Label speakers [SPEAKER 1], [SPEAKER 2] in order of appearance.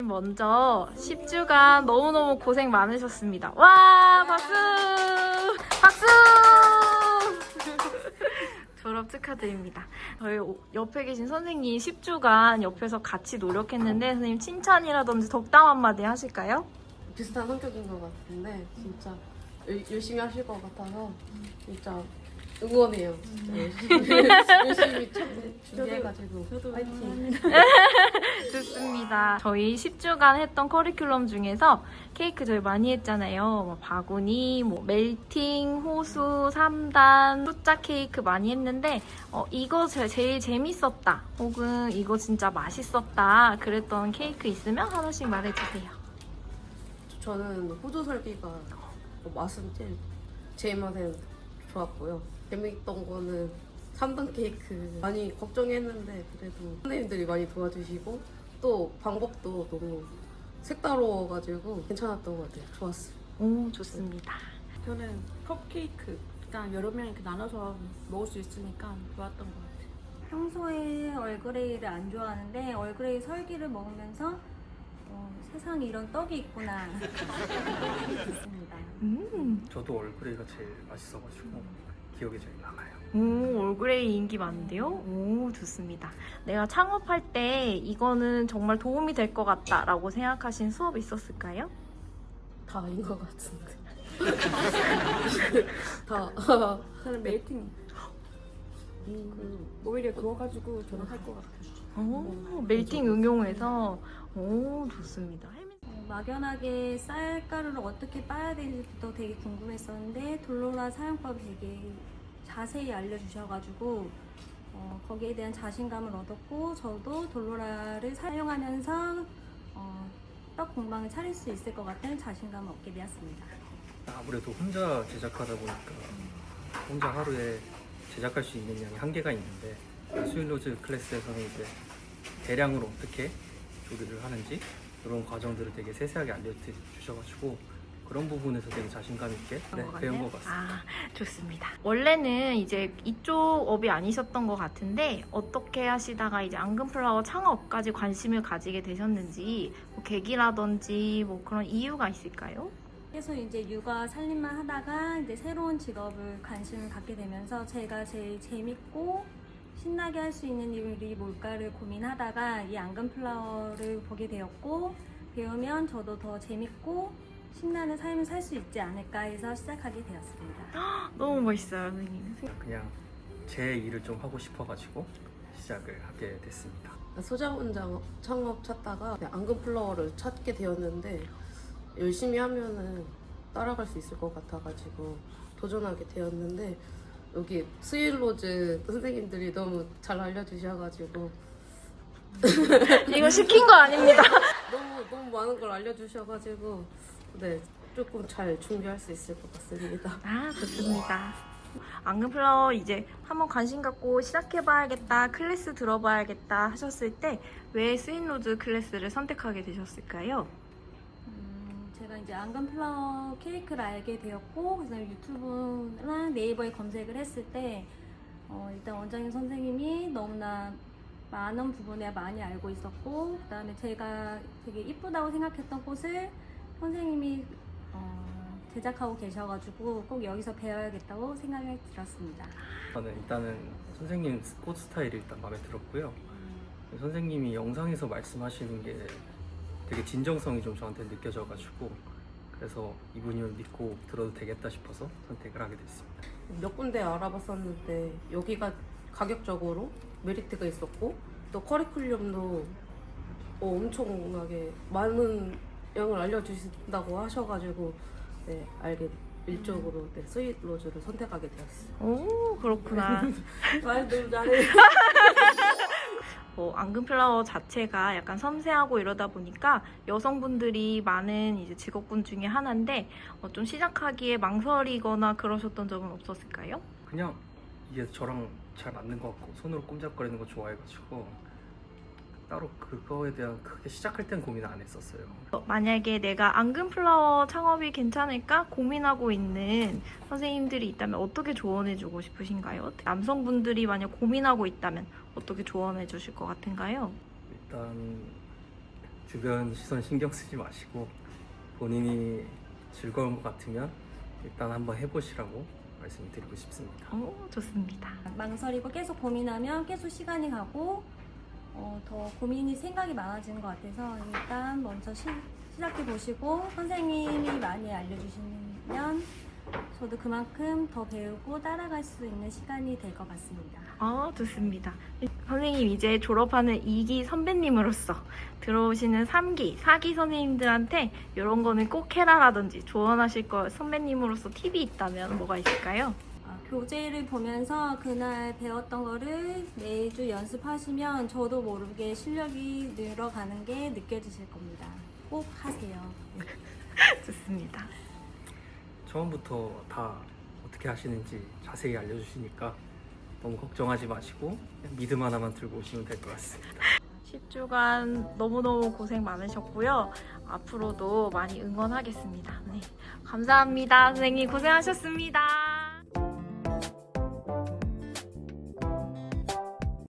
[SPEAKER 1] 먼저 10주간 너무너무 고생 많으셨습니다. 와, 박수! 박수! 졸업 축하드립니다. 저희 옆에 계신 선생님 10주간 옆에서 같이 노력했는데 선생님 칭찬이라든지 덕담 한마디 하실까요?
[SPEAKER 2] 비슷한 성격인 것 같은데 진짜 열심히 하실 것 같아서 진짜 응원해요. 열심히 준비해가지고 파이팅.
[SPEAKER 1] 좋습니다. 저희 10주간 했던 커리큘럼 중에서 케이크 저희 많이 했잖아요. 뭐 바구니, 뭐 멜팅, 호수, 3단, 숫자 케이크 많이 했는데 이거 제일 재밌었다 혹은 이거 진짜 맛있었다 그랬던 케이크 있으면 하나씩 말해주세요.
[SPEAKER 2] 저는 호두 설기가 맛은 제 입맛에는 좋았고요. 재미있던 거는 3단 케이크 많이 걱정했는데 그래도 선생님들이 많이 도와주시고 또 방법도 너무 색다르워가지고 괜찮았던 것 같아요. 좋았어요.
[SPEAKER 1] 오, 좋습니다.
[SPEAKER 3] 저는 컵케이크 일단 여러 명 이렇게 나눠서 먹을 수 있으니까 좋았던 것 같아요.
[SPEAKER 4] 평소에 얼그레이를 안 좋아하는데 얼그레이 설기를 먹으면서 세상에 이런 떡이 있구나 있습니다.
[SPEAKER 5] 저도 얼그레이가 제일 맛있어가지고 기억에 제일 남아요.
[SPEAKER 1] 오, 올그레이 인기 많은데요? 오, 좋습니다. 내가 창업할 때 이거는 정말 도움이 될 것 같다 라고 생각하신 수업 있었을까요?
[SPEAKER 2] 다 아닌 것 같은데. 다.
[SPEAKER 3] 저는 멜팅 오히려 구워가지고 저는 할 것 같아요.
[SPEAKER 1] 오, 멜팅 응용해서 오, 좋습니다.
[SPEAKER 4] 막연하게 쌀가루를 어떻게 빻아야 되는지부터 되게 궁금했었는데 돌로라 사용법이 되게 자세히 알려주셔가지고 거기에 대한 자신감을 얻었고 저도 돌로라를 사용하면서 떡 공방을 차릴 수 있을 것 같은 자신감을 얻게 되었습니다.
[SPEAKER 5] 아무래도 혼자 제작하다 보니까 혼자 하루에 제작할 수 있는 양이 한계가 있는데 스윗로즈 클래스에서는 이제 대량으로 어떻게 조리를 하는지 이런 과정들을 되게 세세하게 알려주셔가지고 그런 부분에서 되게 자신감 있게 배운 것 같습니다.
[SPEAKER 1] 아, 좋습니다. 원래는 이제 이쪽 업이 아니셨던 것 같은데 어떻게 하시다가 이제 앙금플라워 창업까지 관심을 가지게 되셨는지 뭐 계기라든지 뭐 그런 이유가 있을까요?
[SPEAKER 4] 계속 이제 육아 살림만 하다가 이제 새로운 직업을 관심을 갖게 되면서 제가 제일 재밌고 신나게 할 수 있는 일이 뭘까를 고민하다가 이 앙금플라워를 보게 되었고 배우면 저도 더 재밌고 신나는 삶을 살 수 있지 않을까 해서 시작하게 되었습니다.
[SPEAKER 1] 너무 멋있어요, 선생님.
[SPEAKER 5] 그냥 제 일을 좀 하고 싶어가지고 시작을 하게 됐습니다.
[SPEAKER 2] 소자원장 창업 찾다가 앙금플라워를 찾게 되었는데 열심히 하면은 따라갈 수 있을 것 같아가지고 도전하게 되었는데 여기 스윗로즈 선생님들이 너무 잘 알려주셔가지고
[SPEAKER 1] 이거 시킨 거 아닙니다.
[SPEAKER 2] 너무 많은 걸 알려주셔가지고 네 조금 잘 준비할 수 있을 것 같습니다.
[SPEAKER 1] 아, 좋습니다. 앙금플라워 이제 한번 관심 갖고 시작해봐야겠다, 클래스 들어봐야겠다 하셨을 때 왜 스윗로즈 클래스를 선택하게 되셨을까요?
[SPEAKER 4] 제가 이제 앙금플라워 케이크를 알게 되었고 그래서 유튜브랑 네이버에 검색을 했을 때 일단 원장님 선생님이 너무나 많은 부분에 많이 알고 있었고 그 다음에 제가 되게 이쁘다고 생각했던 꽃을 선생님이 제작하고 계셔가지고 꼭 여기서 배워야겠다고 생각이 들었습니다.
[SPEAKER 5] 저는 일단은 선생님 꽃 스타일이 일단 마음에 들었고요. 선생님이 영상에서 말씀하시는 게 되게 진정성이 좀 저한테 느껴져가지고 그래서 이분을 믿고 들어도 되겠다 싶어서 선택을 하게 됐습니다.
[SPEAKER 2] 몇 군데 알아봤었는데 여기가 가격적으로 메리트가 있었고 또 커리큘럼도 엄청나게 많은 양을 알려주신다고 하셔가지고 네 알게 일적으로 네, 스윗로즈를 선택하게 되었어요.
[SPEAKER 1] 오, 그렇구나.
[SPEAKER 3] 말 너무 잘해.
[SPEAKER 1] 앙금플라워 자체가 약간 섬세하고 이러다 보니까 여성분들이 많은 이제 직업군 중에 하나인데 좀 시작하기에 망설이거나 그러셨던 적은 없었을까요?
[SPEAKER 5] 그냥 이게 저랑 잘 맞는 것 같고 손으로 꼼짝거리는 거 좋아해가지고 따로 그거에 대한 크게 시작할 땐 고민 안 했었어요.
[SPEAKER 1] 만약에 내가 앙금플라워 창업이 괜찮을까 고민하고 있는 선생님들이 있다면 어떻게 조언해주고 싶으신가요? 남성분들이 만약 고민하고 있다면 어떻게 조언해 주실 것 같은가요?
[SPEAKER 5] 일단 주변 시선 신경 쓰지 마시고 본인이 즐거운 것 같으면 일단 한번 해보시라고 말씀드리고 싶습니다.
[SPEAKER 1] 오, 좋습니다.
[SPEAKER 4] 망설이고 계속 고민하면 계속 시간이 가고 더 고민이 생각이 많아지는 것 같아서 일단 먼저 시작해 보시고 선생님이 많이 알려주시면 저도 그만큼 더 배우고 따라갈 수 있는 시간이 될 것 같습니다.
[SPEAKER 1] 좋습니다. 선생님 이제 졸업하는 2기 선배님으로서 들어오시는 3기, 4기 선생님들한테 이런 거는 꼭 해라라든지 조언하실 거 선배님으로서 팁이 있다면 뭐가 있을까요?
[SPEAKER 4] 교재를 보면서 그날 배웠던 거를 매주 연습하시면 저도 모르게 실력이 늘어가는 게 느껴지실 겁니다. 꼭 하세요.
[SPEAKER 1] 좋습니다.
[SPEAKER 5] 처음부터 다 어떻게 하시는지 자세히 알려주시니까 너무 걱정하지 마시고 그냥 믿음 하나만 들고 오시면 될 것 같습니다.
[SPEAKER 1] 10주간 너무너무 고생 많으셨고요. 앞으로도 많이 응원하겠습니다. 네, 감사합니다. 선생님 고생하셨습니다.